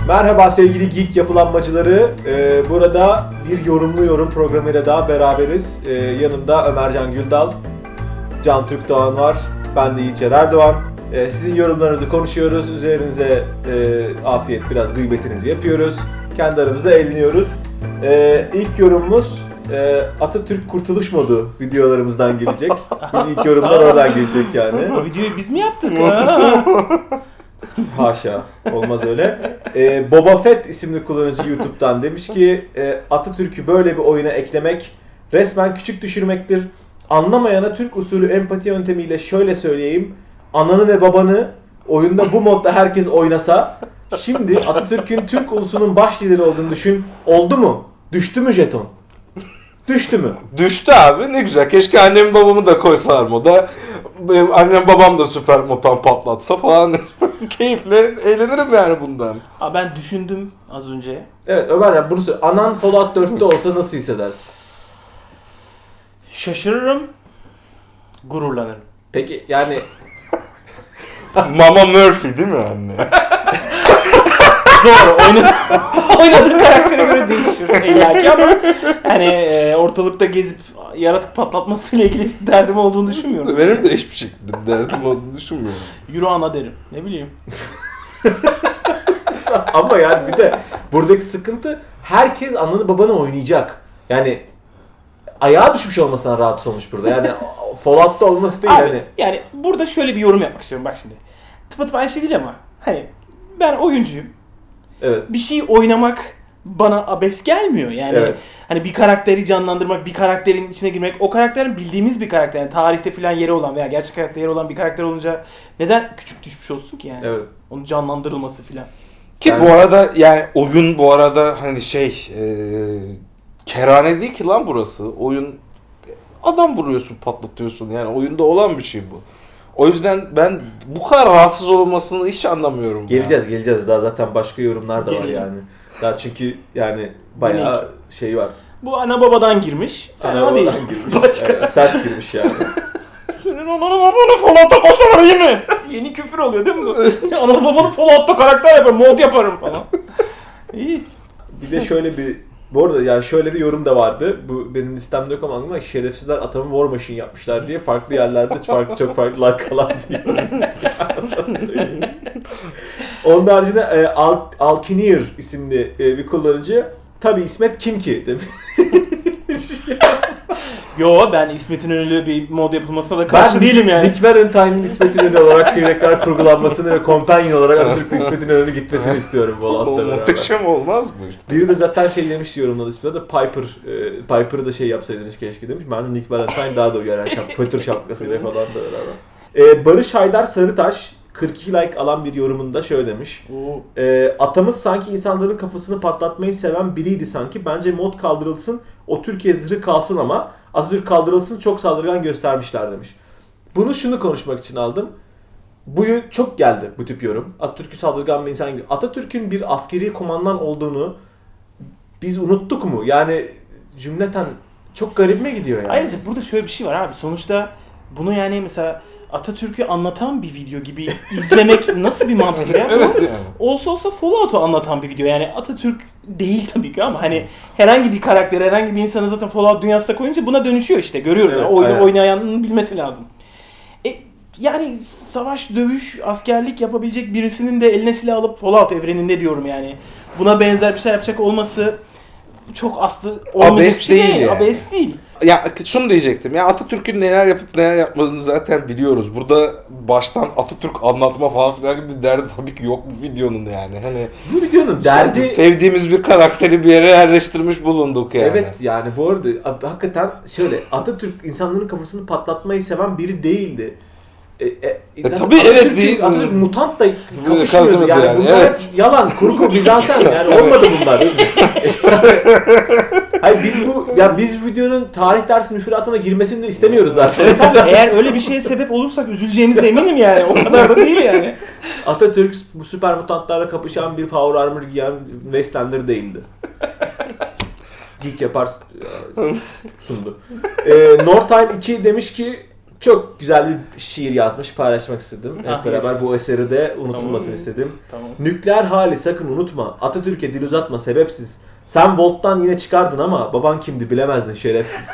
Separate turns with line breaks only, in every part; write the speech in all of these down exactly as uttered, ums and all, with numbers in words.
Merhaba sevgili Geek yapılanmacıları. Ee, burada bir yorumlu yorum programıyla daha beraberiz. Ee, yanımda Ömercan Güldal, Can Türk Doğan var. Ben de Yiğitçer Erdoğan. Ee, sizin yorumlarınızı konuşuyoruz. Üzerinize e, afiyet, biraz gıybetinizi yapıyoruz. Kendi aramızda eğleniyoruz. Ee, ilk yorumumuz e, Atatürk Kurtuluş Modu videolarımızdan gelecek. İlk yorumlar oradan gelecek yani.
O videoyu biz mi yaptık?
Haşa, olmaz öyle. Ee, Boba Fett isimli kullanıcı YouTube'dan demiş ki e, Atatürk'ü böyle bir oyuna eklemek resmen küçük düşürmektir. Anlamayana Türk usulü empati yöntemiyle şöyle söyleyeyim. Ananı ve babanı oyunda bu modda herkes oynasa, şimdi Atatürk'ün Türk ulusunun baş lideri olduğunu düşün. Oldu mu? Düştü mü jeton? Düştü mü?
Düştü abi, ne güzel. Keşke annem babamı da koysalar moda. Benim annem babam da süper motan patlatsa falan. Keyifle eğlenirim yani bundan.
Aa, ben düşündüm az önce.
Evet Ömer ya bunu söyle. Anan Fallout dörtte olsa nasıl hissedersin?
Şaşırırım, gururlanırım.
Peki yani
Mama Murphy değil mi anne?
Doğru, oynadığı, oynadığı karaktere göre değişir illaki ama yani e, ortalıkta gezip yaratık patlatmasıyla ilgili bir derdim olduğunu düşünmüyorum.
Benim de hiçbir şekilde derdim olduğunu düşünmüyorum.
Yürü ana derim, ne bileyim.
ama yani bir de buradaki sıkıntı herkes ananı babanı oynayacak. Yani ayağa düşmüş olmasına rahatsız olmuş burada. Yani Fallout'ta olması değil
Abi,
yani.
yani burada şöyle bir yorum yapmak istiyorum bak şimdi. Tıpatıp aynı şey değil ama hani ben oyuncuyum.
Evet.
Bir şey oynamak bana abes gelmiyor. Yani
Evet.
hani bir karakteri canlandırmak, bir karakterin içine girmek, o karakterin bildiğimiz bir karakter, yani tarihte falan yeri olan veya gerçek hayatta yeri olan bir karakter olunca neden küçük düşmüş olsun ki yani?
Evet.
Onun canlandırılması falan.
Ki
Yani-
bu arada yani oyun bu arada hani şey e, kerane değil ki lan burası. Oyun adam vuruyorsun, patlatıyorsun. Yani oyunda olan bir şey bu. O yüzden ben bu kadar rahatsız olmasını hiç anlamıyorum.
Geleceğiz geleceğiz. Daha zaten başka yorumlar da var
Gelelim.
yani. Daha çünkü yani bayağı şey var.
Bu ana babadan girmiş. Fena değil.
Arabadan girmiş.
Başka.
Evet, sert girmiş yani.
Senin ananı babanı Fallout'ta koşarım iyi mi? Yeni küfür oluyor değil mi bu? Ananı babanı Fallout'ta karakter yaparım, mod yaparım falan. İyi.
Bir de şöyle bir bu arada yani şöyle bir yorum da vardı. Bu benim listemde yok ama aklıma şerefsizler atamı War Machine yapmışlar diye farklı yerlerde farklı çok farklı lakalar bir yorum. Onun haricinde e, Al Alkinir isimli e, bir kullanıcı tabi İsmet kim ki demiş.
Yo, ben İsmet İnönü'yle bir mod yapılmasına da karşı
Ben
değilim yani.
Nick Valentine'in İsmet İnönü olarak tekrar kurgulanmasını ve companion olarak Atatürk'ün İsmet İnönü gitmesini istiyorum bu
O
alanda beraber.
muhteşem olmaz mı?
Biri de zaten şey demiş yorumladı ismini de Piper, e, Piper'ı da şey yapsaydınız keşke demiş. Ben de Nick Valentine daha da uyar şap, fötür şapkasıyla falan da beraber. E, Barış Haydar Sarıtaş kırk iki like alan bir yorumunda şöyle demiş.
Oo.
E, atamız sanki insanların kafasını patlatmayı seven biriydi sanki. Bence mod kaldırılsın, o Türkiye zırhı kalsın ama Atatürk kaldırılsın, çok saldırgan göstermişler demiş. Bunu şunu konuşmak için aldım. Bu çok geldi bu tip yorum. Atatürk'ü saldırgan bir insan gibi. Atatürk'ün bir askeri komandan olduğunu biz unuttuk mu? Yani cümleten çok garibime gidiyor yani.
Ayrıca burada şöyle bir şey var abi. Sonuçta bunu yani mesela Atatürk'ü anlatan bir video gibi izlemek nasıl bir mantık ya?
Evet yani.
Olsa olsa Fallout'u anlatan bir video. Yani Atatürk değil tabii ki ama hani herhangi bir karakter, herhangi bir insanı zaten Fallout dünyasına koyunca buna dönüşüyor işte. Görüyoruz.
Evet,
Yani. Oyunu
aynen.
oynayanın bilmesi lazım. E, yani savaş, dövüş, askerlik yapabilecek birisinin de eline silah alıp Fallout evreninde diyorum yani. Buna benzer bir şey yapacak olması çok aslı olmayacak
Abes
bir şey
değil
değil.
yani.
Abes değil.
Ya şunu diyecektim. Ya Atatürk'ün neler yapıp neler yapmadığını zaten biliyoruz. Burada baştan Atatürk anlatma falan filan gibi bir derdi tabii ki yok bu videonun yani. Hani
Bu videonun derdi...
sevdiğimiz bir karakteri bir yere yerleştirmiş bulunduk yani.
Evet yani bu arada ab- hakikaten şöyle Atatürk insanların kafasını patlatmayı seven biri değildi. E, e, zaten
tabii evet
Atatürk'ün-
değil.
Atatürk mutant da kapışmıyordu
Kapışmıyordu
yani,
yani,
bunlar
evet.
hep yalan, kurgu, mizansen yani olmadı bunlar. Hayır biz bu ya biz bu videonun tarih dersi müfredatına girmesini de istemiyoruz zaten.
Evet abi, eğer öyle bir şeye sebep olursak üzüleceğimize eminim yani. O kadar da değil yani.
Atatürk bu süper mutantlarla kapışan bir power armor giyen Wastelander değildi. Geek yapar sundu. Ee, Nortime iki demiş ki çok güzel bir şiir yazmış, paylaşmak istedim. Hep
Ah,
beraber
yes.
bu eseri de unutulmasını
Tamam.
istedim.
Tamam.
Nükleer hali sakın unutma. Atatürk'e dil uzatma sebepsiz. Sen Volt'tan yine çıkardın ama baban kimdi bilemezdin şerefsiz.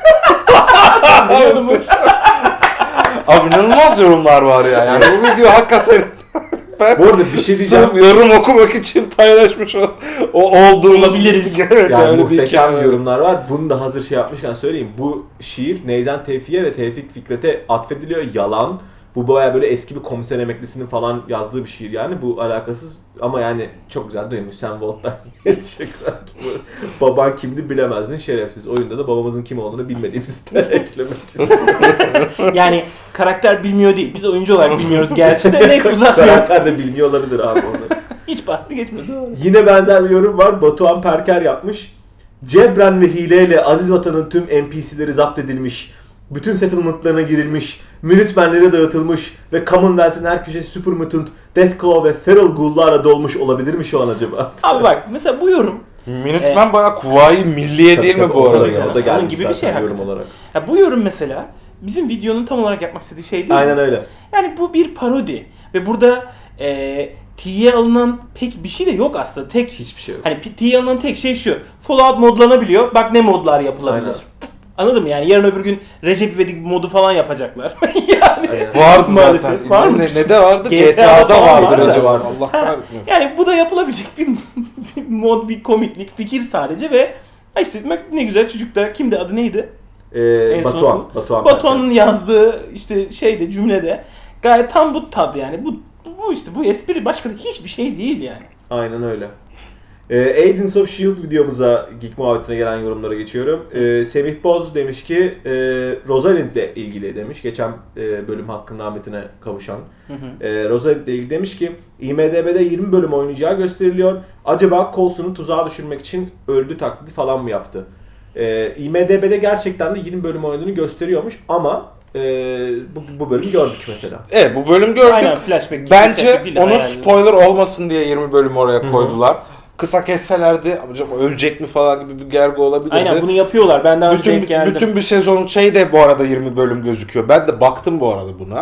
Abi inanılmaz yorumlar var ya. Yani bu video hakikaten ben
Bu arada bir şey diyeceğim.
sırf yorum okumak için paylaşmış o, o olduğumuz
Olabiliriz.
Evet,
Yani
öyle bir
muhteşem
hikaye.
yorumlar var. Bunu da hazır şey yapmışken söyleyeyim. Bu şiir Neyzen Tevfik'e ve Tevfik Fikret'e atfediliyor. Yalan. Bu baya böyle eski bir komiser emeklisinin falan yazdığı bir şiir yani. Bu alakasız ama yani çok güzel duymuş. Sen Volt'tan çıkar. Baban kimdi bilemezdin şerefsiz. Oyunda da babamızın kim olduğunu bilmediğimizi de eklemek istiyorum.
Yani karakter bilmiyor değil. Biz oyuncu olarak bilmiyoruz gerçi de. Neyse uzatmıyorum.
Karakter de bilmiyor olabilir abi onu.
Hiç bahsi geçmedi. Doğru.
Yine benzer bir yorum var. Batuhan Perker yapmış. Cebren ve hileyle aziz vatanın tüm N P C'leri zapt edilmiş. Bütün settlement'larına girilmiş. Minutemen'lere dağıtılmış. Ve Commonwealth'in her köşesi Super Mutant, Deathclaw ve Feral Ghoul'larla dolmuş olabilir mi şu an acaba?
Abi bak mesela bu yorum.
Minutemen bayağı Kuvayi Milliye değil mi bu
o da,
arada?
o da
Onun
gelmiş
gibi bir
zaten
şey
yorum
hakikaten.
olarak.
Ya bu yorum mesela bizim videonun tam olarak yapmak istediği şey değil.
Aynen
mi?
öyle.
Yani bu bir parodi. Ve burada e, T'ye alınan pek bir şey de yok aslında. Tek
Hiçbir şey yok.
Hani T'ye alınan tek şey şu. Fallout modlanabiliyor. Bak ne modlar yapılabilir.
Aynen.
Anladın mı? Yani yarın öbür gün Recep İvedik modu falan yapacaklar. yani
Aynen.
Vardı
Maalesef.
zaten.
Var
ne,
mıdır?
ne de vardı?
G
G
T
T
A'da
A'da
falan
vardır
vardı.
acaba.
Vardı.
Allah
Ha,
kahretmesin.
yani bu da yapılabilecek bir, bir mod, bir komiklik, fikir sadece ve ha işte bak ne güzel çocuk da kimdi adı neydi?
Ee,
En son
Batuhan.
bu.
Batuhan. Perker.
Batuhan'ın yazdığı işte şeyde cümlede gayet tam bu tad yani. Bu bu işte bu espri başka da hiçbir şey değil yani.
Aynen öyle. Ee, Agents of S H I E L D videomuza Geek Muhabbeti'ne gelen yorumlara geçiyorum. Ee, Semih Boz demiş ki e, Rosalind'le ilgili demiş. Geçen e, bölüm hakkın rahmetine kavuşan.
Hı hı.
E, Rosalind'le ilgili demiş ki I M D B'de yirmi bölüm oynayacağı gösteriliyor. Acaba Coulson'u tuzağa düşürmek için öldü taklidi falan mı yaptı? E, I M D B'de gerçekten de yirmi bölüm oynadığını gösteriyormuş ama e, bu, bu bölümü gördük mesela.
Evet bu bölüm gördük.
Aynen flashback. gibi,
Bence
flashback değil de
onun
hayal.
spoiler olmasın diye yirmi bölüm oraya
Hı-hı.
koydular. Kısa kesselerdi acaba ölecek mi falan gibi bir gergi olabilirdi.
Aynen bunu yapıyorlar. Ben daha önce
bütün
denk geldim.
bütün bir sezonun şey de bu arada yirmi bölüm gözüküyor. Ben de baktım bu arada buna.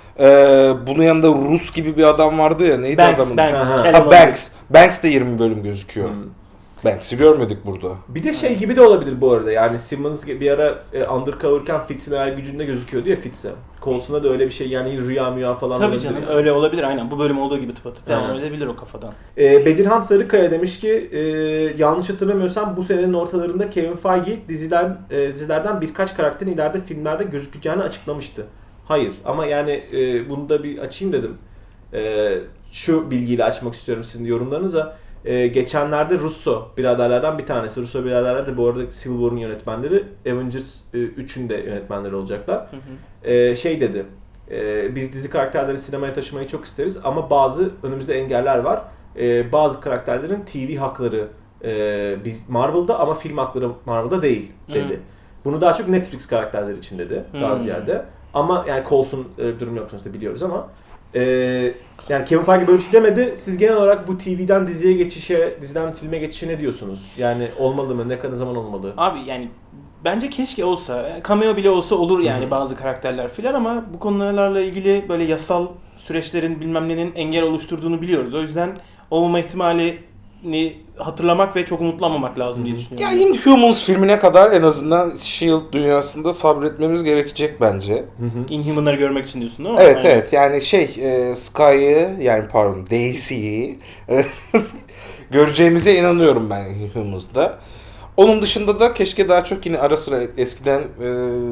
Ee, bunun yanında Rus gibi bir adam vardı ya. Neydi
Banks,
adamın?
Banks,
Aha.
Callum
Ha,
O'Neill.
Banks. Banks de yirmi bölüm gözüküyor.
Hmm.
Banks'i görmedik burada.
Bir de şey gibi de olabilir bu arada yani Simmons bir ara e, undercover'ken Fitz'in hayal gücünde gözüküyordu ya Fitz'e. Coulson'da da öyle bir şey yani rüya müya falan
Tabii
olabilir
canım
yani.
öyle olabilir aynen. Bu bölüm olduğu gibi tıpatıp devam
Aynen.
edebilir o kafadan.
E, Bedirhan Sarıkaya demiş ki e, yanlış hatırlamıyorsam bu senenin ortalarında Kevin Feige diziden e, dizilerden birkaç karakterin ileride filmlerde gözükeceğini açıklamıştı. Hayır ama yani e, bunu da bir açayım dedim. E, şu bilgiyle açmak istiyorum sizin yorumlarınıza. Ee, geçenlerde Russo biraderlerden bir tanesi. Russo biraderler de bu arada Civil War'un yönetmenleri. Avengers e, üçün de yönetmenleri olacaklar.
Hı hı.
Ee, şey dedi. E, biz dizi karakterleri sinemaya taşımayı çok isteriz ama bazı önümüzde engeller var. E, bazı karakterlerin T V hakları e, biz Marvel'da ama film hakları Marvel'da değil dedi.
Hı.
Bunu daha çok Netflix karakterleri için dedi. Daha
Hı.
ziyade. Ama yani Coulson e, durum yok sonuçta biliyoruz ama e, yani Kevin Feige böyle bir şey demedi. Siz genel olarak bu T V'den diziye geçişe, diziden filme geçişe ne diyorsunuz? Yani olmalı mı? Ne kadar zaman olmalı?
Abi yani bence keşke olsa. Cameo bile olsa olur yani
Hı hı.
bazı karakterler filan ama bu konularla ilgili böyle yasal süreçlerin bilmem nenin engel oluşturduğunu biliyoruz. O yüzden olmama ihtimalini hatırlamak ve çok umutlanmamak lazım diye
Ya
düşünüyorum.
Inhumans filmine kadar en azından S H I E L D dünyasında sabretmemiz gerekecek bence.
Hı hı.
Inhuman'ları görmek için diyorsun değil mi?
Evet
Aynen.
evet yani şey e, Sky'ı yani pardon Daisy'yi e, göreceğimize inanıyorum ben Inhumans'da. Onun dışında da keşke daha çok yine ara sıra eskiden e,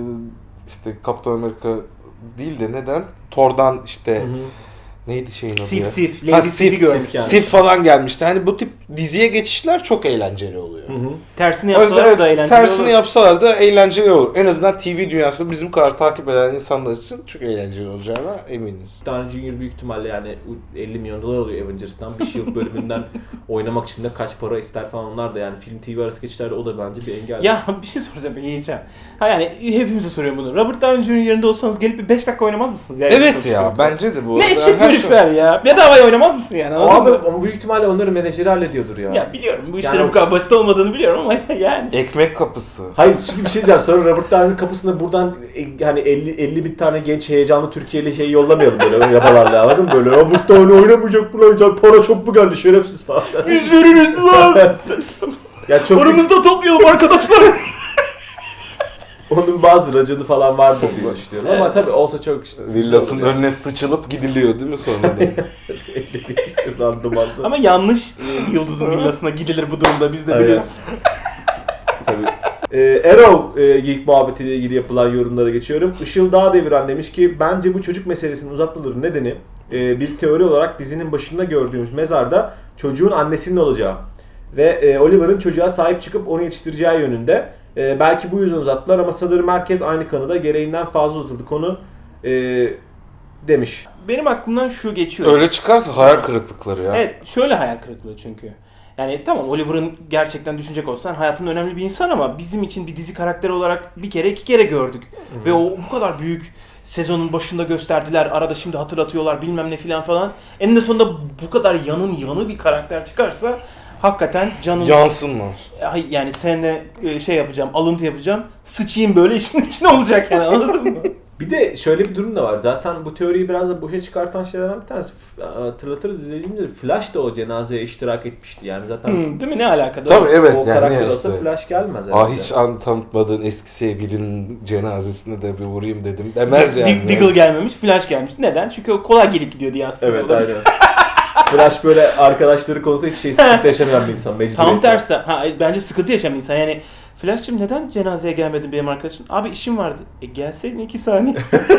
işte Kaptan Amerika değil de neden Thor'dan işte
Hı hı.
neydi şeyin adı
Sif
ya?
Sif,
Ha,
Lady
Sif,
Sif'i görmüş.
Sif yani.
Sif falan gelmişti. Hani bu tip diziye geçişler çok eğlenceli oluyor.
Hı hı.
Tersini
O yüzden
yapsalar
evet,
da eğlenceli
tersini
olur.
yapsalar da eğlenceli olur. En azından T V dünyasında bizim kadar takip eden insanlar için çok eğlenceli olacağına eminiz.
Downey Junior büyük ihtimalle yani elli milyon dolar alıyor Avengers'tan. Bir Shield bölümünden oynamak için de kaç para ister falan onlar da yani film T V arası geçişlerde o da bence bir engel.
Ya bir şey soracağım yiyeceğim. Ha yani hepimize soruyorum bunu. Robert Downey Junior yerinde olsanız gelip bir beş dakika oynamaz mısınız? Yani
Evet
sonuçta.
ya bence de bu.
Ne eşek
Her
Boş ver ya. Bedavaya oynamaz mısın yani? anladın
Abi
mı?
ama büyük ihtimalle onların menajeri hallediyordur ya.
Ya biliyorum bu
Yani
işlerin
o-
bu kadar basit olmadığını biliyorum ama yani.
Ekmek kapısı.
Hayır çünkü bir şey diyeceğim. Sonra Robert Downey'nin kapısına buradan e, hani elli elli bir tane genç heyecanlı Türkiye'li şey yollamayalım böyle yabalarla, anladın mı? Böyle Robert Downey oynamayacak bu lan, para çok mu geldi şerefsiz falan.
Biz veririz lan.
Ya çok
Paramızı da toplayalım arkadaşlar.
onun bazı raconu falan vardır diye düşünüyorum ama tabii olsa çok işte.
Villasının
güzel olur
önüne sıçılıp gidiliyor değil mi sonra da?
yani. elli bir randımanlı.
Ama yanlış e, Yıldız'ın villasına gidilir bu durumda biz de
Aynen.
biliyoruz.
Tabii. Ee, Arrow e, Geek muhabbetiyle ilgili yapılan yorumlara geçiyorum. Işıl Dağdeviren demiş ki bence bu çocuk meselesinin uzatmaların nedeni e, bir teori olarak dizinin başında gördüğümüz mezarda çocuğun annesinin olacağı ve e, Oliver'ın çocuğa sahip çıkıp onu yetiştireceği yönünde. E, belki bu yüzden uzattılar ama sanırım herkes aynı kanıda gereğinden fazla uzatıldı konu e, demiş.
Benim aklımdan şu geçiyor.
Öyle çıkarsa hayal kırıklıkları ya.
Evet, şöyle hayal kırıklığı çünkü. Yani tamam Oliver'ın gerçekten düşünecek olsan hayatının önemli bir insan ama bizim için bir dizi karakteri olarak bir kere iki kere gördük. Ve o bu kadar büyük sezonun başında gösterdiler, arada şimdi hatırlatıyorlar bilmem ne filan falan. Eninde sonunda bu kadar yanın yanı bir karakter çıkarsa hakikaten canım...
Yansınlar.
Ay, yani seninle e, şey yapacağım, alıntı yapacağım, sıçayım böyle işin içine olacak yani anladın mı?
Bir de şöyle bir durum da var. Zaten bu teoriyi biraz da boşa çıkartan şeylerden bir tanesi. F- Hatırlatırız izleyicimizdir. Flash da o cenazeye iştirak etmişti. Yani zaten
Hmm, değil mi? Ne alakası?
Tabii evet
o
yani
karakter
ne
olsa
işte.
Flash gelmez
Ah
herhalde.
hiç an tanıtmadığın eski sevgilinin cenazesine de bir vurayım dedim demez yani.
Diggle gelmemiş, Flash gelmiş. Neden? Çünkü o kolay gelip gidiyor diye aslında.
Evet
Olabilir.
aynen. Flash böyle arkadaşları konusunda hiç şey sıkıntı yaşamayan bir insan. Mecburiyetten.
Tam tersi. Ha, bence sıkıntı yaşayan insan. Yani Flash'cığım neden cenazeye gelmedin benim arkadaşım? Abi işim vardı. E gelseydin iki saniye.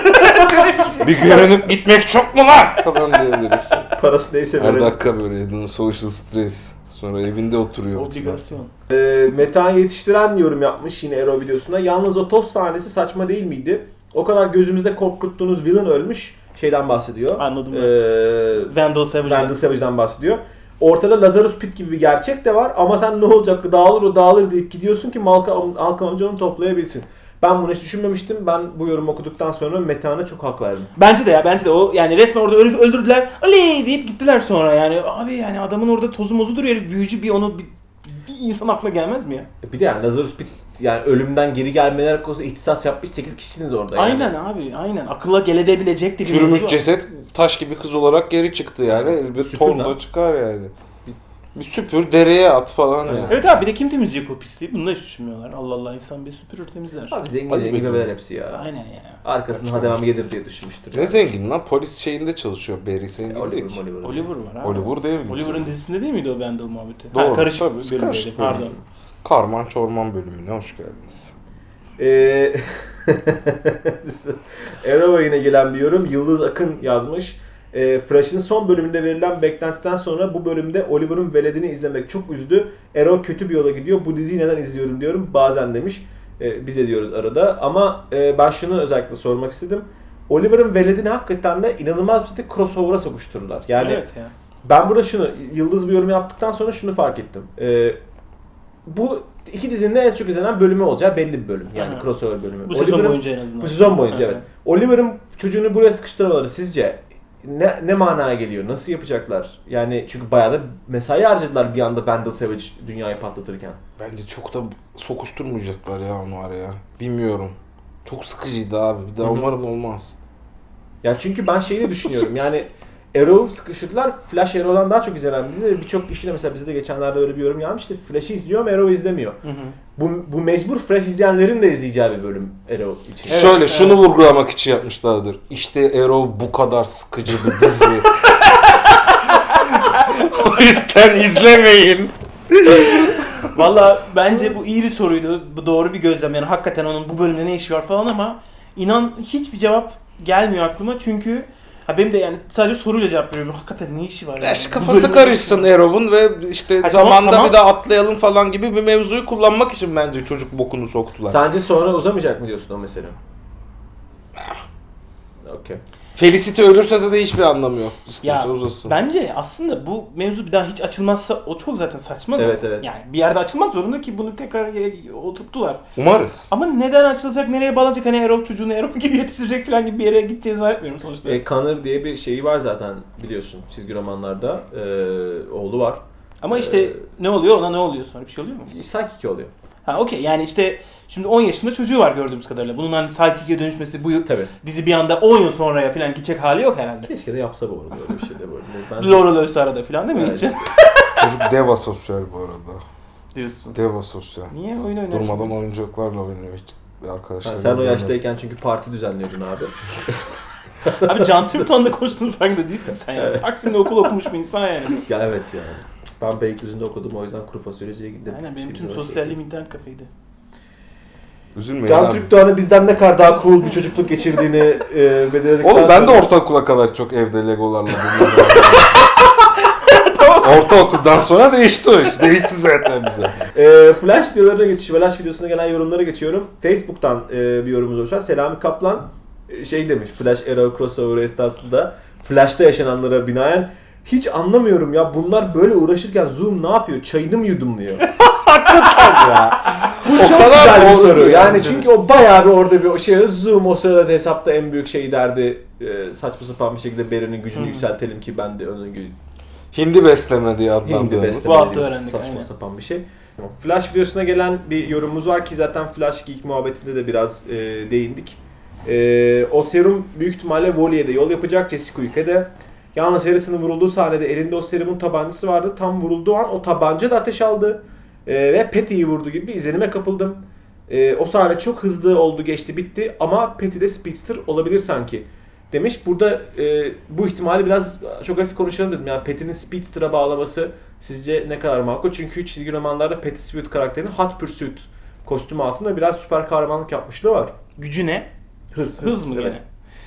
Bir görünüp gitmek çok mu lan? Falan diyebiliriz.
Parası neyse
Her
böyle.
dakika böyle social stress. Sonra evinde oturuyor.
Obligasyon.
Ee, Metehan Yetiştiren yorum yapmış yine Ero videosunda. Yalnız o toz sahnesi saçma değil miydi? O kadar gözümüzde korkuttuğunuz villain ölmüş. Şeyden bahsediyor.
Anladım ben.
Ee,
Vandal Savage'dan.
Vandal Savage'dan bahsediyor. Ortada Lazarus Pit gibi bir gerçek de var ama sen ne olacak dağılır o dağılır deyip gidiyorsun ki Malcolm, Malcolm amca onu toplayabilsin. Ben bunu hiç düşünmemiştim. Ben bu yorumu okuduktan sonra Metehan'a çok hak verdim.
Bence de ya bence de o yani resmen orada öldü- öldürdüler. Oley deyip gittiler sonra yani. Abi yani adamın orada tozu mozu duruyor herif büyücü bir onu bir, bir insan aklına gelmez mi ya?
Bir de yani Lazarus Pit yani ölümden geri gelmeler konusunda ihtisas yapmış sekiz kişisiniz orada yani.
Aynen abi aynen. Akılla gelebilecek de bir
Çürümüş
mevzu.
ceset taş gibi kız olarak geri çıktı yani. Bir
Süpür
toz
lan.
da çıkar yani. Bir, bir süpür dereye at falan yani.
Evet abi bir de kim temizleyecek o pisliği? Bunu da hiç düşünmüyorlar. Allah Allah insan bir süpürür temizler.
Abi zengin
Hadi
zengin
bakalım.
bebeler hepsi ya.
Aynen ya.
Arkasından devam gelir diye düşünmüştür.
Ne
yani.
zengin lan? Polis şeyinde çalışıyor Barry. Senin
Oliver,
değil ki.
Oliver.
Oliver var abi.
Oliver değil mi?
Oliver'ın dizisinde değil miydi o Vandal muhabbeti?
Doğru,
Ha, karışık
tabii,
bölümdeydi.
karışık
Pardon.
bölüm. Karman Çorman bölümüne hoş geldiniz.
Eee Arrow'a yine gelen bir yorum. Yıldız Akın yazmış. E, Fresh'in son bölümünde verilen beklentiden sonra bu bölümde Oliver'ın veledini izlemek çok üzdü. Arrow kötü bir yola gidiyor. Bu diziyi neden izliyorum diyorum bazen demiş. E, bize diyoruz arada. Ama e, ben şunu özellikle sormak istedim. Oliver'ın veledini hakikaten de inanılmaz bir şekilde crossover'a sokuştururlar. Yani
Evet ya.
ben burada şunu, Yıldız bir yorum yaptıktan sonra şunu fark ettim. Ee, bu iki dizinin de en çok izlenen bölümü olacağı belli bir bölüm. Yani
Aha.
crossover bölümü.
Bu sezon
Oliver'ın-
boyunca en azından.
Bu sezon boyunca
Aha.
evet. Oliver'ın çocuğunu buraya sıkıştırmaları sizce ne, ne manaya geliyor? Nasıl yapacaklar? Yani çünkü bayağı da mesai harcadılar bir anda Vandal Savage dünyayı patlatırken.
Bence çok da sokuşturmayacaklar ya onu araya. Bilmiyorum. Çok sıkıcıydı abi. Bir daha
Hı hı.
umarım olmaz.
Yani çünkü ben şeyi de düşünüyorum yani Arrow sıkıştırdılar. Flash Arrow'dan daha çok izlenen bir dizi. Birçok kişi de mesela bizde geçenlerde öyle bir yorum gelmişti. Flash'ı izliyor ama Arrow'u izlemiyor.
Hı hı.
Bu, bu mecbur Flash izleyenlerin de izleyeceği bir bölüm Arrow için.
Evet,
Şöyle
evet.
şunu vurgulamak için yapmışlardır. İşte Arrow bu kadar sıkıcı bir dizi. O yüzden izlemeyin.
Valla bence bu iyi bir soruydu. Bu doğru bir gözlem. Yani hakikaten onun bu bölümde ne işi var falan ama inan hiçbir cevap gelmiyor aklıma çünkü ha benim de yani sadece soruyla cevap veriyorum. Hakikaten ne işi var?
Ya
yani?
işte
Bu
kafası
bölümde-
karışsın Arrow'un ve işte
Ha,
zamanda
tamam, tamam.
bir daha atlayalım falan gibi bir mevzuyu kullanmak için bence çocuk bokunu soktular.
Sence sonra uzamayacak mı diyorsun o mesele? Okey.
Felicity ölürse zaten hiçbir anlamı yok.
Ya
İstiyorsa uzasın.
bence aslında bu mevzu bir daha hiç açılmazsa o çok zaten saçma zaten.
Evet, evet.
Yani bir yerde açılmak zorunda ki bunu tekrar e, oturttular.
Umarız.
Ama neden açılacak, nereye bağlanacak, hani Erol çocuğunu Erol gibi yetiştirecek falan gibi bir yere gideceğini zannetmiyorum sonuçta.
E, Connor diye bir şeyi var zaten biliyorsun çizgi romanlarda. Ee, oğlu var.
Ama işte
Ee,
ne oluyor, ona ne oluyor sonra, bir şey oluyor mu?
Psychic oluyor.
Ha okey, yani işte şimdi on yaşında çocuğu var gördüğümüz kadarıyla. Bunun hani Sidekic'e dönüşmesi bu yıl,
Tabii.
dizi bir anda on yıl sonraya falan gidecek hali yok herhalde.
Keşke de yapsa bu arada öyle bir şey de böyle. Ben...
Laurel ölse arada falan değil mi?
Evet.
Gidecek
Çocuk dev asosyal bu arada.
diyorsun.
Dev asosyal.
Niye oyun oynar?
Durmadan oyuncaklarla oynuyor hiç arkadaşlar.
Ha, sen o yaştayken çünkü parti düzenliyordun abi.
Abi Can Türkton'da konuştuğun farkında değilsin sen yani. Taksim'de okul okumuş bir insan yani.
Ya evet yani. Ben Beylikdüzü'nde okudum o yüzden kuru fasulyeciye gittim.
Aynen, benim tüm
Gittiğimiz
sosyalliğim internet kafeydi.
Üzülmeyin
Can
abi.
Türk Doğan'ın bizden ne kadar daha cool bir çocukluk geçirdiğini e, belirledikten
Oğlum ben de
sonra-
ortaokula kadar çok evde legolarla bulunuyorum. Ortaokuldan sonra değişti o iş. Değişti zaten bize.
E, Flash videolarına geçiş, Flash videosuna gelen yorumlara geçiyorum. Facebook'tan e, bir yorumumuz var. Selami Kaplan e, şey demiş, Flash Arrow crossover esnasında Flash'ta yaşananlara binaen hiç anlamıyorum ya, bunlar böyle uğraşırken Zoom ne yapıyor? Çayını mı yudumluyor? Hakikaten ya. Bu
O
çok
kadar
güzel bir
doğru
soru.
ki
Yani
yani.
çünkü o bayağı bir orada bir o şey, Zoom o sırada hesapta en büyük şey derdi. E, saçma sapan bir şekilde Beren'in gücünü
Hı.
yükseltelim ki ben de onun gü-
Hindi besleme diye
Hindi
adlandığımız.
besleme
Bu hafta
dediğimiz
öğrendik,
saçma
aynen.
sapan bir şey. Flash videosuna gelen bir yorumumuz var ki zaten Flash Geek muhabbetinde de biraz e, değindik. E, o serum büyük ihtimalle Wally'e de yol yapacak, Jessica Quick'e de. Yalnız Harrison'ın vurulduğu sahnede elinde o serumun tabancası vardı. Tam vurulduğu an o tabanca da ateş aldı. E, ve Patty'yi vurdu gibi bir izlenime kapıldım. E, o sahne çok hızlı oldu, geçti, bitti ama Patty de Speedster olabilir sanki demiş. Burada e, bu ihtimali biraz çok hafif konuşalım dedim. Yani Patty'nin Speedster'a bağlaması sizce ne kadar makul? Çünkü çizgi romanlarda Patty Speed karakterinin Hot Pursuit kostümü altında biraz süper kahramanlık yapmışlığı var.
Gücü ne?
Hız,
Hız mı
evet.
gene?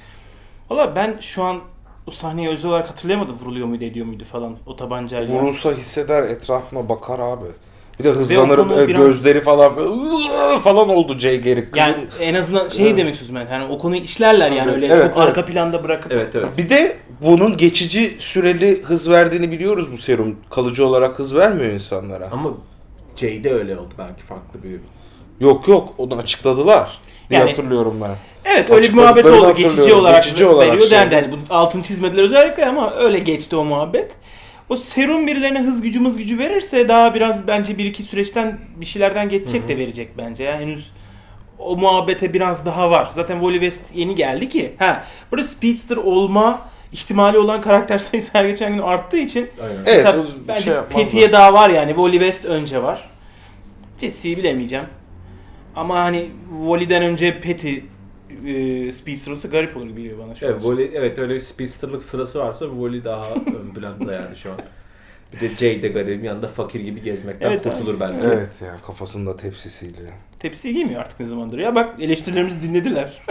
Valla ben şu an o sahneyi özel olarak hatırlayamadım, vuruluyor muydu ediyor muydu falan o tabancayla.
Vurulsa hisseder, etrafına bakar abi. Bir de hızlanır,
konu
e,
biraz-
gözleri falan falan oldu Jay Garrick. Kızın-
Yani en azından şey
Evet.
demek istiyorsun ben. Yani o konuyu işlerler yani
Evet,
öyle
evet,
çok
evet.
arka planda bırakıp.
Evet evet.
Bir de bunun geçici süreli hız verdiğini biliyoruz bu serum. Kalıcı olarak hız vermiyor insanlara.
Ama Jay'de öyle oldu belki farklı bir...
Yok yok, onu açıkladılar diye
Yani-
hatırlıyorum ben.
Evet, öyle bir muhabbet
Açıkladıklarını
oldu. Geçici
hatırlıyorum.
olarak
Geçici olarak
veriyor
şey.
dendi. Yani bunun altını çizmediler özellikle ama öyle geçti o muhabbet. O serum birilerine hız gücü mız gücü verirse daha biraz bence bir iki süreçten bir şeylerden geçecek de verecek bence. Yani henüz o muhabbete biraz daha var. Zaten Wally West yeni geldi ki. Ha, burada Speedster olma ihtimali olan karakter sayısı her geçen gün arttığı için
Aynen.
Evet,
mesela
o bir
bence
şey yapmazlar.
Patty'ye daha var yani. Wally West önce var. Jesse'yi bilemeyeceğim. Ama hani Wally'den önce Patty e, Speedster olsa garip olur gibi geliyor bana şu an.
Evet, Wally, evet öyle bir speedsterlık sırası varsa Wally daha ön planda yani şu an. Bir de Jay de garibim yanında fakir gibi gezmekten
Evet,
kurtulur belki.
Evet yani kafasında tepsisiyle.
Tepsi giymiyor artık ne zamandır ya. Bak eleştirilerimizi dinlediler.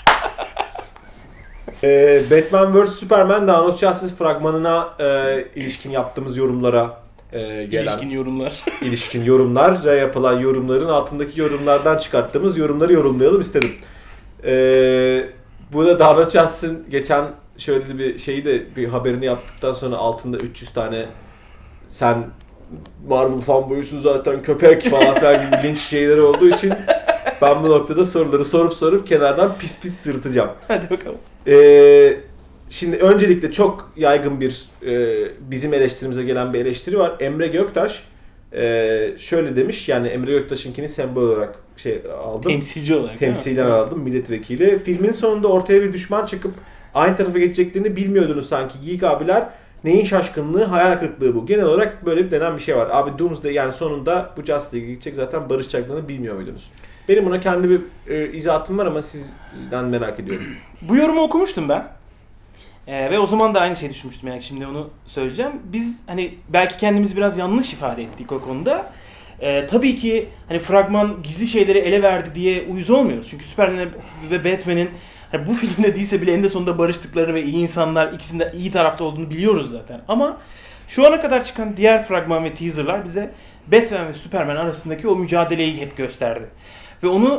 Ee, Batman versus. Superman Dawn of Justice fragmanına e, ilişkin yaptığımız yorumlara e, gelen
İlişkin yorumlar.
ilişkin yorumlara yapılan yorumların altındaki yorumlardan çıkarttığımız yorumları yorumlayalım istedim. Ee, burada Dawn of Justice'ın geçen şöyle bir şeyi de bir haberini yaptıktan sonra altında üç yüz tane sen Marvel fanboyusun zaten köpek falan filan gibi linç şeyleri olduğu için ben bu noktada soruları sorup sorup kenardan pis pis sırıtacağım.
Hadi bakalım.
Ee, şimdi öncelikle çok yaygın bir e, bizim eleştirimize gelen bir eleştiri var. Emre Göktaş e, şöyle demiş, yani Emre Göktaş'ınkini sembol olarak şey aldım.
Temsilci olarak.
Temsilen aldım, milletvekili. Filmin sonunda ortaya bir düşman çıkıp aynı tarafa geçeceklerini bilmiyordunuz sanki geek abiler. Neyin şaşkınlığı, hayal kırıklığı bu. Genel olarak böyle bir denen bir şey var. Abi Doomsday yani sonunda bu Justice League gidecek, zaten barışacaklarını bilmiyor muydunuz? Benim buna kendi bir e, izahatım var ama sizden merak ediyorum.
Bu yorumu okumuştum ben. Ee, ve o zaman da aynı şeyi düşünmüştüm yani şimdi onu söyleyeceğim. Biz hani belki kendimiz biraz yanlış ifade ettik o konuda. Ee, tabii ki hani fragman gizli şeyleri ele verdi diye uyuz olmuyoruz. Çünkü Superman ve Batman'in hani bu filmde değilse bile eninde sonunda barıştıklarını ve iyi insanlar ikisinde iyi tarafta olduğunu biliyoruz zaten. Ama şu ana kadar çıkan diğer fragman ve teaserlar bize Batman ve Superman arasındaki o mücadeleyi hep gösterdi. Ve onu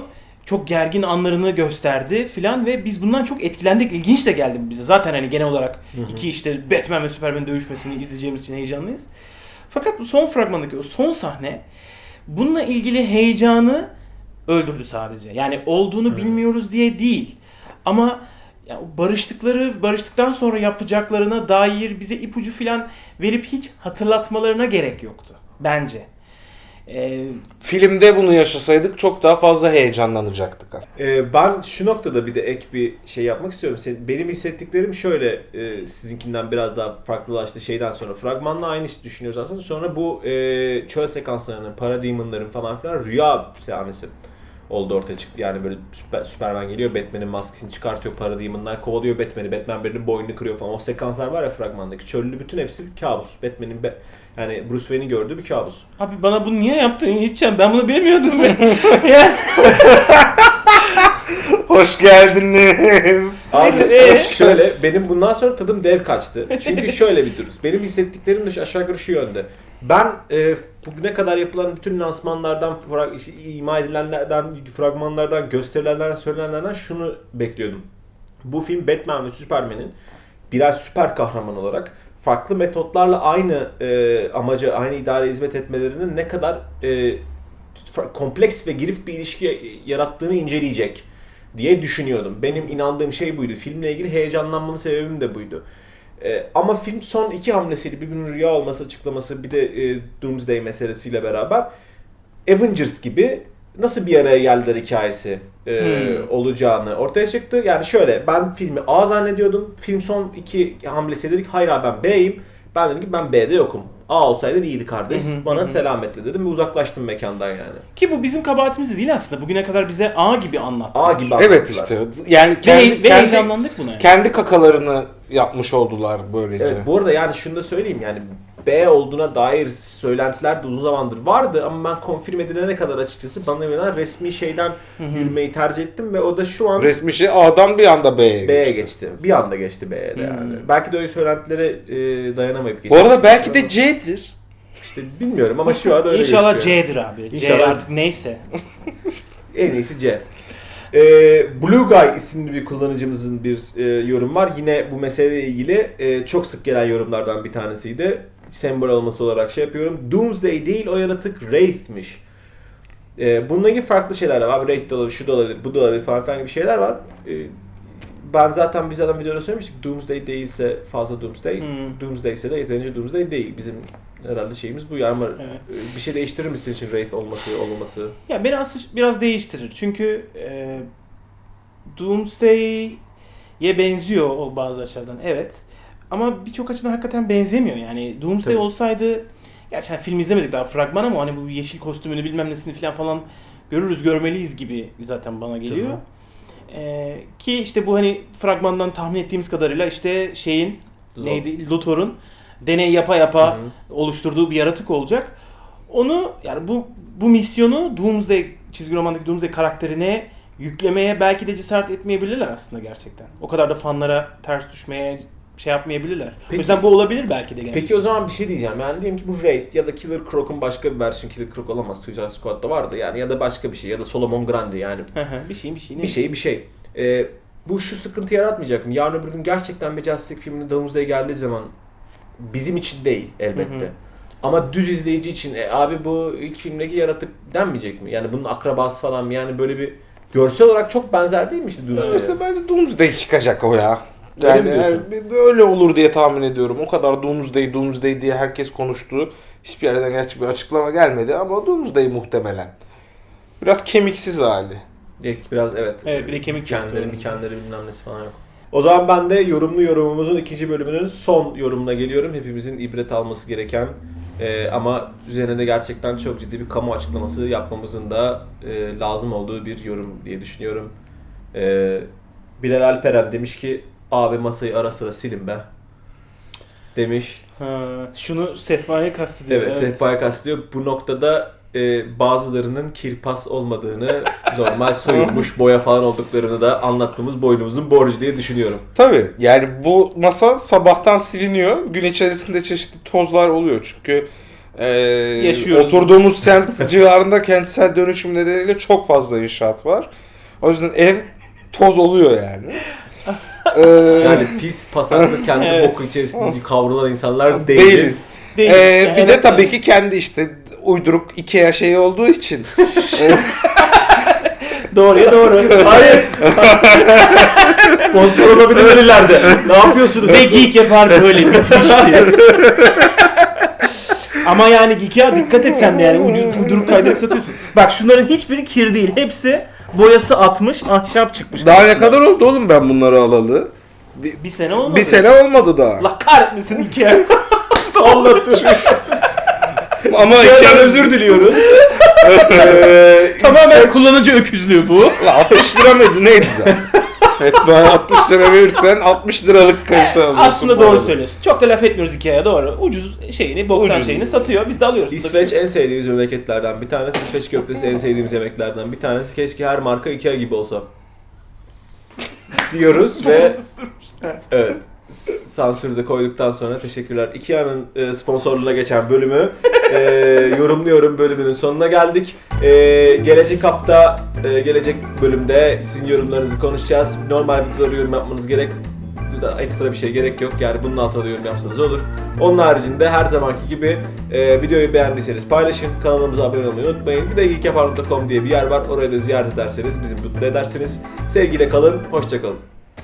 çok gergin anlarını gösterdi filan ve biz bundan çok etkilendik. İlginç de geldi bize. Zaten hani genel olarak
Hı hı.
iki işte Batman ve Superman dövüşmesini izleyeceğimiz için heyecanlıyız. Fakat bu son fragmandaki o son sahne bununla ilgili heyecanı öldürdü sadece. Yani olduğunu
Hı.
bilmiyoruz diye değil. Ama ya barıştıkları, barıştıktan sonra yapacaklarına dair bize ipucu filan verip hiç hatırlatmalarına gerek yoktu. Bence. Ee,
Filmde bunu yaşasaydık çok daha fazla heyecanlanacaktık aslında.
Ee, ben şu noktada bir de ek bir şey yapmak istiyorum. Senin, benim hissettiklerim şöyle, e, sizinkinden biraz daha farklılaştı şeyden sonra. Fragmanla aynı işi düşünüyoruz aslında. Sonra bu e, çöl sekanslarının, Parademon'ların falan filan rüya sahnesi oldu, ortaya çıktı. Yani böyle Süper, Superman geliyor, Batman'in maskesini çıkartıyor, Parademon'lar kovalıyor Batman'i. Batman birinin boynunu kırıyor falan. O sekanslar var ya fragmandaki. Çöllü bütün hepsi bir kabus. Batman'in be, yani Bruce Wayne'i gördüğü bir kabus.
Abi bana bunu niye yaptın Yiğitcan? Ben bunu bilmiyordum. ya.
Hoş geldiniz.
Abi
Neyse, ee?
şöyle, benim bundan sonra tadım dev kaçtı. Çünkü şöyle bir durum. Benim hissettiklerim de şu- aşağı yukarı şu yönde. Ben e, bugüne kadar yapılan bütün lansmanlardan, fra- işte ima edilenlerden, fragmanlardan, gösterilenlerden, söylenenlerden şunu bekliyordum. Bu film Batman ve Superman'in birer süper kahraman olarak farklı metotlarla aynı e, amaca, aynı ideale hizmet etmelerinin ne kadar e, fa- kompleks ve girift bir ilişki yarattığını inceleyecek diye düşünüyordum. Benim inandığım şey buydu. Filmle ilgili heyecanlanmamın sebebim de buydu. Ee, ama film son iki hamlesiyle, birbirinin rüya olması açıklaması, bir de e, Doomsday meselesiyle beraber Avengers gibi nasıl bir araya geldiler hikayesi e,
Hmm.
olacağını ortaya çıktı. Yani şöyle, ben filmi A zannediyordum. Film son iki hamlesi dedik, hayır abi ben B'yim. Ben dedim ki ben B'de yokum. A olsaydın iyiydi kardeş.
Hı hı,
Bana
hı hı.
selametle dedim ve uzaklaştım mekandan yani.
Ki bu bizim kabahatimiz de değil aslında. Bugüne kadar bize A gibi anlattı.
A gibi
Evet
anlattılar.
işte. Yani
Ve,
kendi,
ve
kendi,
heyecanlandık buna. Yani.
kendi kakalarını yapmış oldular böylece.
Evet, bu arada yani şunu da söyleyeyim, yani B olduğuna dair söylentiler de uzun zamandır vardı ama ben konfirm edilene kadar açıkçası bana verilen resmi şeyden yürümeyi tercih ettim ve o da şu an
Resmi şey A'dan bir anda B'ye
B'ye
geçti.
geçti. Bir anda geçti B'ye de yani.
Hmm.
Belki de öyle söylentilere e, dayanamayıp geçti.
Bu arada belki de C'dir.
işte bilmiyorum ama şu anda öyle
İnşallah
gözüküyor.
C'dir abi.
İnşallah.
C artık neyse.
En iyisi C. Ee, Blue Guy isimli bir kullanıcımızın bir e, yorum var. Yine bu meseleyle ilgili e, çok sık gelen yorumlardan bir tanesiydi. Sembol olması olarak şey yapıyorum. Doomsday değil, o yaratık Wraith'miş. E, bununla ilgili farklı şeyler var. Abi Wraith de olabilir, şu da olabilir, bu da olabilir falan filan gibi şeyler var. E, ben zaten biz zaten videoda söylemiştik. Doomsday değilse fazla Doomsday.
Hmm.
Doomsday ise de yeterince Doomsday değil. Bizim herhalde şeyimiz bu ya, ama
Evet.
e, bir şey değiştirir misin için Wraith olması, olmaması?
Ya beni aslında biraz değiştirir. Çünkü e, Doomsday'e benziyor o bazı açılardan. Evet. Ama birçok açıdan hakikaten benzemiyor. Yani Doomsday
Tabii.
olsaydı, gerçi hani film izlemedik daha fragman ama hani bu yeşil kostümünü bilmem nesini falan falan görürüz, görmeliyiz gibi zaten bana geliyor. E, ki işte bu hani fragmandan tahmin ettiğimiz kadarıyla işte şeyin
Zor.
neydi? Luthor'un deney yapa yapa
Hı hı.
oluşturduğu bir yaratık olacak. Onu yani bu bu misyonu Doomsday çizgi romandaki Doomsday karakterine yüklemeye belki de cesaret etmeyebilirler aslında gerçekten. O kadar da fanlara ters düşmeye şey yapmayabilirler.
Peki-
o yüzden bu olabilir belki de gene.
Peki o zaman bir şey diyeceğim. Yani diyelim ki bu Raid ya da Killer Croc'un başka bir versiyonu, Killer Croc olamaz. Suicide Squad'da vardı yani, ya da başka bir şey, ya da Solomon Grundy yani.
Hı hı, bir şey bir şey.
Bir şey bir şey. Ee, bu şu sıkıntı yaratmayacak mı? Yarın öbür gün gerçekten bir Justice League filminde Doomsday geldiği zaman bizim için değil elbette.
Hı hı.
Ama düz izleyici için e, abi bu ilk filmdeki yaratık denmeyecek mi? Yani bunun akrabası falan mı? Yani böyle bir görsel olarak çok benzer değil mi işte Doomsday'e?
İşte bence Doomsday çıkacak o ya.
Öyle
Yani,
mi diyorsun?
yani öyle olur diye tahmin ediyorum. O kadar Doomsday, Doomsday diye herkes konuştu. Hiçbir yerden gerçi bir açıklama gelmedi ama Doomsday muhtemelen. Biraz kemiksiz hali.
Belki biraz evet.
Evet, bir de kemik
Kendileri,
yoktu.
mikenleri bilmem nesi falan yok. O zaman ben de yorumlu yorumumuzun ikinci bölümünün son yorumuna geliyorum. Hepimizin ibret alması gereken e, ama üzerine de gerçekten çok ciddi bir kamu açıklaması yapmamızın da e, lazım olduğu bir yorum diye düşünüyorum. E, Bilal Alperen demiş ki abi masayı ara sıra silin be demiş.
Ha, şunu Sehpa'ya kastediyor.
Evet, Sehpa'ya kastediyor. Bu noktada e, bazılarının kirpas olmadığını, normal soyulmuş boya falan olduklarını da anlatmamız boynumuzun borcu diye düşünüyorum.
Tabii yani bu masa sabahtan siliniyor. Gün içerisinde çeşitli tozlar oluyor çünkü e,
Yaşıyoruz.
oturduğumuz semt civarında kentsel dönüşüm nedeniyle çok fazla inşaat var. O yüzden ev toz oluyor yani. Ee,
Yani pis, pasaklı, kendi
Evet.
boku içerisinde kavrulan insanlar değiliz.
değiliz.
Değil.
Ee,
Yani
bir de
evet,
tabii
evet.
ki kendi işte uyduruk IKEA şeyi olduğu için.
Doğruya doğru.
Hayır. Sponsor olabilirler ileride. Ne yapıyorsunuz?
Ve Geek yapar böyle bitmişti. Ama yani Geek'e dikkat et sen de yani ucuz uyduruk kaydırıp satıyorsun. Bak şunların hiçbiri kir değil. Hepsi boyası atmış, ahşap çıkmış.
Daha ne kadar oldu oğlum ben bunları alalı? Bir,
Bir sene olmadı.
bir sene olmadı daha.
Allah kahretmesin Ikea.
Anlatmış.
Ama
Şeyden
Ikea'nın
özür diliyoruz. Ee,
Tamamen
İsveç-
kullanıcı öküzlüğü bu.
altmış lira mıydı neydi zaten? Evet bana altmış lira verirsen altmış liralık kalite alıyorsun.
Aslında
bu
doğru
arada.
söylüyorsun. Çok da laf etmiyoruz Ikea'ya doğru. Ucuz şeyini, boktan
Ucuz.
şeyini satıyor. Biz de alıyoruz.
İsveç en sevdiğimiz memleketlerden bir tanesi. İsveç köftesi en sevdiğimiz yemeklerden bir tanesi. Keşke her marka Ikea gibi olsa. Diyoruz ve evet. s- Sansürü de koyduktan sonra teşekkürler. Ikea'nın e, sponsorluğuna geçen bölümü e, yorumluyorum bölümünün sonuna geldik. E, gelecek hafta, e, gelecek bölümde sizin yorumlarınızı konuşacağız. Normal videoları yorum yapmanız gerek, da ekstra bir şey gerek yok. Yani bunun altına da yorum yapsanız olur. Onun haricinde her zamanki gibi e, videoyu beğendiyseniz paylaşın. Kanalımıza abone olmayı unutmayın. Bir de geekapar nokta com diye bir yer var. Orayı da ziyaret ederseniz bizi mutlu edersiniz. Sevgiyle kalın, hoşça kalın.